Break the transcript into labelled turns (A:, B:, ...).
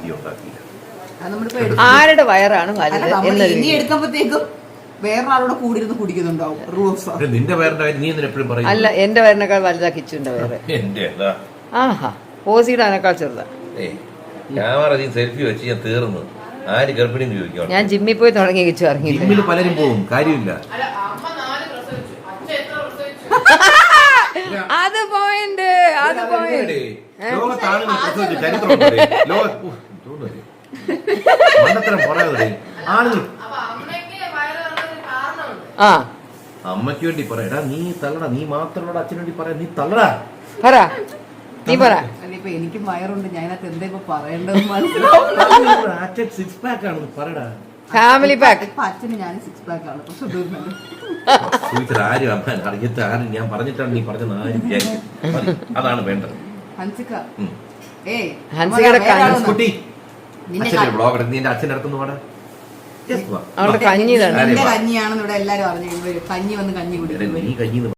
A: Video ഉണ്ടാക്കിയില്ല.
B: ആരുടെ വയറാണ് വലുത്
C: ഇനി എടുക്കുമ്പോഴത്തേക്കും വേറൊരാളോട് കൂടിയിരുന്ന് കുടിക്കുന്നുണ്ടാവും.
A: നിന്റെ വയറിന്റെ കാര്യം നീ എന്തിനാ എപ്പോഴും പറയും?
B: അല്ല, എന്റെ വയറിനേക്കാൾ വലുതാ കിച്ചുവിന്റെ വയറ്.
A: എന്റെ
B: ആഹാ, ഓസിയുടെ അതിനേക്കാൾ ചെറുതാ.
A: ക്യാമറ നീ സെൽഫി വെച്ച് ഞാൻ തീർന്നു. ആര് ഗർഭിണി ചോദിക്കാം.
B: ഞാൻ ജിമ്മിൽ പോയി തുടങ്ങി കിച്ചു ഇറങ്ങിയില്ല.
A: ജിമ്മിൽ പലരും പോകും, കാര്യമില്ല.
B: അത് പോയിന്റ്, അത് പോയിന്റ്.
A: ലോകത്താണുങ്ങൾ പ്രസവിച്ച ചരിത്രമുണ്ട്. മണ്ടത്തരം പറയാതെ ആളുകൾ അമ്മയ്ക്ക് വേണ്ടി പറയടാ, നീ തള്ളടാ, നീ മാത്രമല്ല അച്ഛന് വേണ്ടി പറയാ, നീ തള്ളടാ,
B: പറ, നീ പറ.
C: ഇപ്പൊ എനിക്ക് വയറുണ്ട്, ഞാനത് എന്താ ഇപ്പൊ പറയേണ്ടത് മനസ്സിലാവും.
A: അച്ഛൻ സിക്സ് പാക്ക് ആണ് പറയടാ.
B: Family pack.
C: ഇപ്പൊ അച്ഛന് ഞാൻ സിക്സ് പാക്ക് ആണ്. പക്ഷെ തീർന്നത്
A: ചോദിച്ചത് ആരും അമ്മ അറിയത്ത ആരും ഞാൻ പറഞ്ഞിട്ടാണ് നീ പറഞ്ഞത് ആരും വിചാരിക്കും. അതാണ് വേണ്ടത്.
C: ഹൻസിക
B: ഹൻസികയുടെ
A: കുട്ടി അച്ഛൻ്റെ ബ്ലോഗ് എടുത്ത് നിന്റെ അച്ഛൻ്റെ അടുത്തൊന്ന് പാടാ.
B: അവളുടെ കഞ്ഞി
C: കഞ്ഞിയാണെന്ന് ഇവിടെ എല്ലാരും അറിഞ്ഞു. കഞ്ഞി വന്ന് കഞ്ഞി കുടിക്കും.
A: നീ കഞ്ഞി